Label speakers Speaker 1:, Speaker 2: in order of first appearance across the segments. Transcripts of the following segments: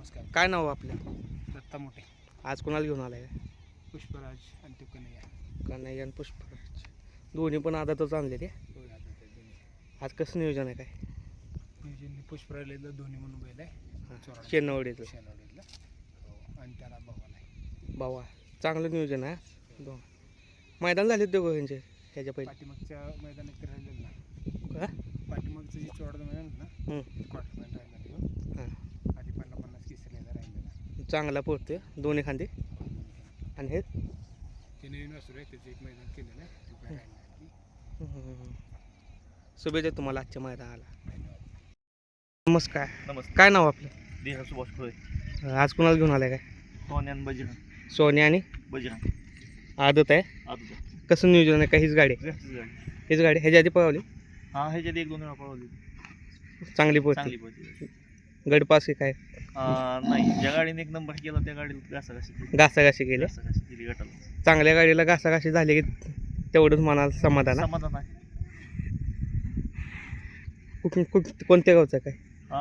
Speaker 1: नमस्कार.
Speaker 2: काय नाव आपलं?
Speaker 1: दत्ता मोठे,
Speaker 2: आज कोणाला घेऊन आलाय?
Speaker 1: पुष्पराज आणि ते कन्हैया.
Speaker 2: कन्हैया आणि पुष्पराज दोन्ही पण आदातच आणलेले.
Speaker 1: होय आता ते दोन्ही.
Speaker 2: आज कसं नियोजन आहे काय?
Speaker 1: नियोजन पुष्पराजला दोन्ही म्हणून बैल आहे. चोराडा
Speaker 2: शेनवडीचं
Speaker 1: शेनवडीतला. हो आणि त्याला भावाला आहे.
Speaker 2: बावा चांगलं नियोजन आहे. दोन मैदान झाले दोघं ह्यांचे ह्याच्या पहिले.
Speaker 1: पाठीमागच्या मैदानात ते राहिलेलं ना.
Speaker 2: का?
Speaker 1: पाठीमागचं जे चोराडा मैदान होतं ना, क्वार्टर मैदान राहिलं
Speaker 2: हां
Speaker 1: आधी 50-50 केसरीला राहिलेला.
Speaker 2: चांगला पोहतोय दोन्ही खांदे. आणि हे
Speaker 1: ते नवीन वासरू आहे, त्याचं एक मैदान केलेलं आहे. ते काय राहिलं नाही.
Speaker 2: शुभेच्छा तुम्हाला आजच्या मैदानाला.
Speaker 1: धन्यवाद.
Speaker 2: नमस्कार.
Speaker 3: नमस्कार.
Speaker 2: काय नाव आपलं?
Speaker 3: देहा सुभाष खोळे.
Speaker 2: आज कोणाला घेऊन आलाय काय?
Speaker 3: सोन्यान बजरंग.
Speaker 2: सोन्या आणि
Speaker 3: बजरंग
Speaker 2: आदत आहे.
Speaker 3: आता
Speaker 2: कसं नियोजन आहे का? हीच गाडी हीच गाडी ह्याच्या आधी पळवली
Speaker 3: हा ह्याच्यात 1-2 वेळा पळवली.
Speaker 2: चांगली पोहते.
Speaker 3: चांगली पळते.
Speaker 2: गडपास की काय
Speaker 3: नाही, ज्या गाडीने 1 नंबर केला त्या गाडीला घासाघाशी केली.
Speaker 2: घासाघाशी केली.
Speaker 3: घासाघाशी केली गटाला.
Speaker 2: चांगल्या गाडीला घासाघाशी झाली की तेवढंच मनाला समाधान आहे.
Speaker 3: समाधान आहे.
Speaker 2: कोणत्या गावचं काय?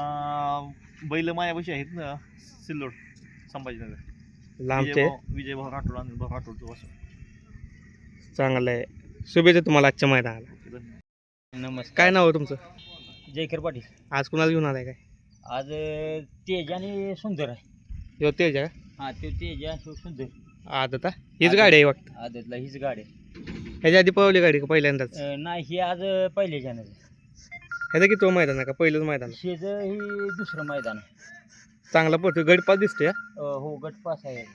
Speaker 3: बैल मायापाशी आहेत ना, सिल्लोड संभाजीनगर.
Speaker 2: लांबचे
Speaker 3: विजय भाऊ राठोड आणि भाऊ राठोडचं वासू.
Speaker 2: चांगलं आहे. शुभेच्छा तुम्हाला आजच्या मैदानाला.
Speaker 4: नमस्कार.
Speaker 2: काय नाव आहे तुमचं?
Speaker 4: जयकर पाटील.
Speaker 2: आज कुणाला घेऊन आलाय काय?
Speaker 4: आज तेज आणि सुंदर आहे.
Speaker 2: ह्यो तेज आहे
Speaker 4: हा तो तेज आणि सुंदर.
Speaker 2: का? आदत आहे. हीच गाडी आहे वाटतं.
Speaker 4: आदतला हीच गाडी आहे.
Speaker 2: ह्याच्या आधी पळवली गाडी का पहिल्यांदाच?
Speaker 4: नाही ही आज पहिले जाणार
Speaker 2: ह्याचं किती मैदान आहे का? पहिलंच मैदान आहे.
Speaker 4: शेज ही दुसरं मैदान आहे.
Speaker 2: चांगला पोहतो. गडपास दिसतोय.
Speaker 4: हो गट पास आहे.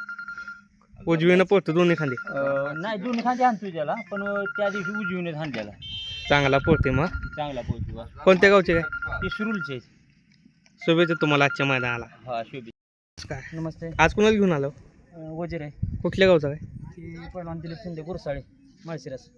Speaker 2: उजवीनं पोहतो दोन्ही खांदी.
Speaker 4: नाही दोन्ही खांदे आणतो त्याला, पण त्या दिवशी उजवीने हाणलेला.
Speaker 2: चांगला पोहते. मग
Speaker 4: चांगला पोहोचू.
Speaker 2: कोणत्या गावचे काय?
Speaker 4: ते सुरुलचे.
Speaker 2: शुभेच्छा तुम्हाला आजच्या मैदानाला.
Speaker 4: हा शुभे.
Speaker 2: काय
Speaker 4: नमस्ते.
Speaker 2: आज कुणाला घेऊन आलो?
Speaker 4: वजीर आहे.
Speaker 2: कुठल्या गावचा काय?
Speaker 4: ते पहिलवान दिलीप शिंदे गुरसाळे माळशिरस.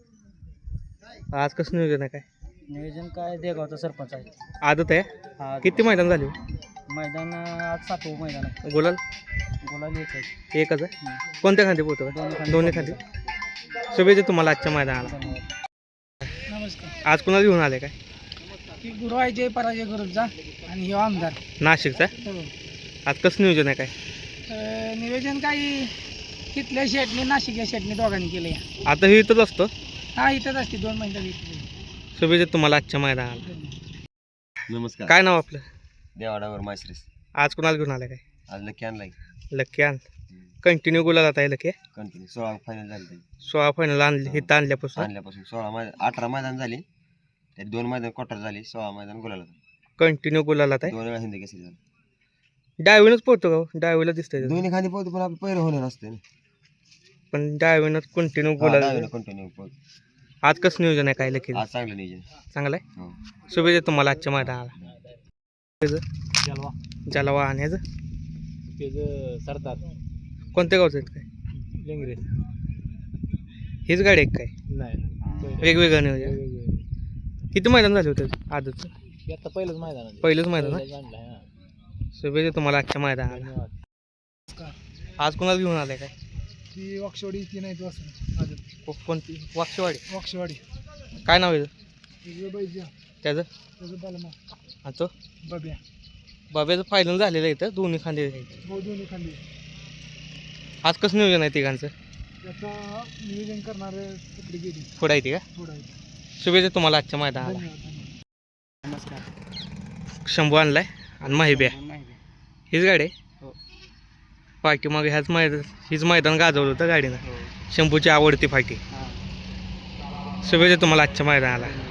Speaker 2: आज कसं नियोजन आहे काय?
Speaker 4: नियोजन काय देगावचा सरपंच आहे.
Speaker 2: आदत आहे.
Speaker 4: हा
Speaker 2: किती मैदान झाले?
Speaker 4: मैदान आज 7वं मैदान आहे.
Speaker 2: गुलाल
Speaker 4: गुलाल एक आहे.
Speaker 2: एकच आहे. कोणत्या खांदी पोहतो काय? दोन्ही खांदी. शुभेच्छा तुम्हाला आजच्या मैदानाला.
Speaker 1: नमस्कार.
Speaker 2: आज कुणाला घेऊन आले काय?
Speaker 1: ही गुरु आहे जय पराजय गुरुचा आणि हे आमदार.
Speaker 2: नाशिकचा.
Speaker 1: हो.
Speaker 2: आज कसं नियोजन आहे काय?
Speaker 1: नियोजन काही तिथल्या शेटने नाशिकच्या शेटने दोघांनी केलं.
Speaker 2: आता हे इथंच असतो.
Speaker 1: हा इथंच असते 2 महिन्यात इथे.
Speaker 2: शुभेच्छा तुम्हाला आजच्या मैदानाला.
Speaker 3: नमस्कार.
Speaker 2: काय नाव आपलं?
Speaker 3: देवाडावर माळशिरस.
Speaker 2: आज कुणाला घेऊन आलं काय?
Speaker 3: आज लकी आणलाय.
Speaker 2: लकी आण कंटिन्यू गुलाला आहे लकी.
Speaker 3: कंटिन्यू 16 फायनल झाली.
Speaker 2: 16 फायनल आणले इथं आणल्यापासून.
Speaker 3: आणल्यापासून 18 मैदान झाली. त्यात 2 मैदान क्वार्टर झाली. 16 मैदान गुलाला.
Speaker 2: कंटिन्यू गुलाला आहे.
Speaker 3: 2 वेळा हिंदी केसरी झाली.
Speaker 2: डावीनच पोहतो का? डावीला दिसतंय
Speaker 3: दोन्ही खाली पोहतो, पण आपलं पहिलं होणार नसते.
Speaker 2: पण डावीनच कंटिन्यू गुलाला.
Speaker 3: कंटिन्यू पोहतो.
Speaker 2: आज कसं नियोजन आहे काय लकी?
Speaker 3: आज चांगलं नियोजन.
Speaker 2: चांगलं आहे.
Speaker 3: हो.
Speaker 2: शुभेच्छा तुम्हाला आजच्या मैदानाला.
Speaker 4: जलवा.
Speaker 2: जलवा आणि ह्याचं
Speaker 4: त्याचं सरदार
Speaker 2: कोणत्या गावचं आहेत काय?
Speaker 4: लेंगरे.
Speaker 2: हीच गाडी आहे काय?
Speaker 4: नाही
Speaker 2: वेगवेगळं नियोजन. किती मैदान झाले होते आजचं?
Speaker 4: आता पहिलंच मैदान आहे.
Speaker 2: पहिलंच मैदान आहे.
Speaker 4: आणलं आहे.
Speaker 2: शुभेच्छा तुम्हाला आजच्या मैदानाला.
Speaker 4: धन्यवाद.
Speaker 2: आज कोणाला घेऊन आलाय काय?
Speaker 1: ती वाक्षवाडी ती नाही वासरू.
Speaker 2: कोणती? वाक्षवाडी.
Speaker 1: वाक्षवाडी
Speaker 2: काय नाव आहे
Speaker 1: बैजा
Speaker 2: त्याचं?
Speaker 1: त्याचं बलमा
Speaker 2: आणि तो
Speaker 1: बब्या.
Speaker 2: बाब्याचं फायनल झालेलं आहे इथं दोन्ही खांदे.
Speaker 1: हो दोन्ही खाली.
Speaker 2: आज कसं नियोजन आहे तिघांचं?
Speaker 1: त्याचा नियोजन करणारे तिकडे गेली
Speaker 2: पुढं आहे ती का?
Speaker 1: थोडा.
Speaker 2: शुभेच्छा तुम्हाला आजच्या मैदानाला.
Speaker 1: धन्यवाद. नमस्कार.
Speaker 2: शंभू आणलाय आणि माहिब्या हीच गाडी आहे.
Speaker 1: हो.
Speaker 2: फाटी मग हीच मैदान गाजवलं होतं गाडीनं. शंभूची आवडती फाटी. शुभेच्छा तुम्हाला आजच्या मैदानाला.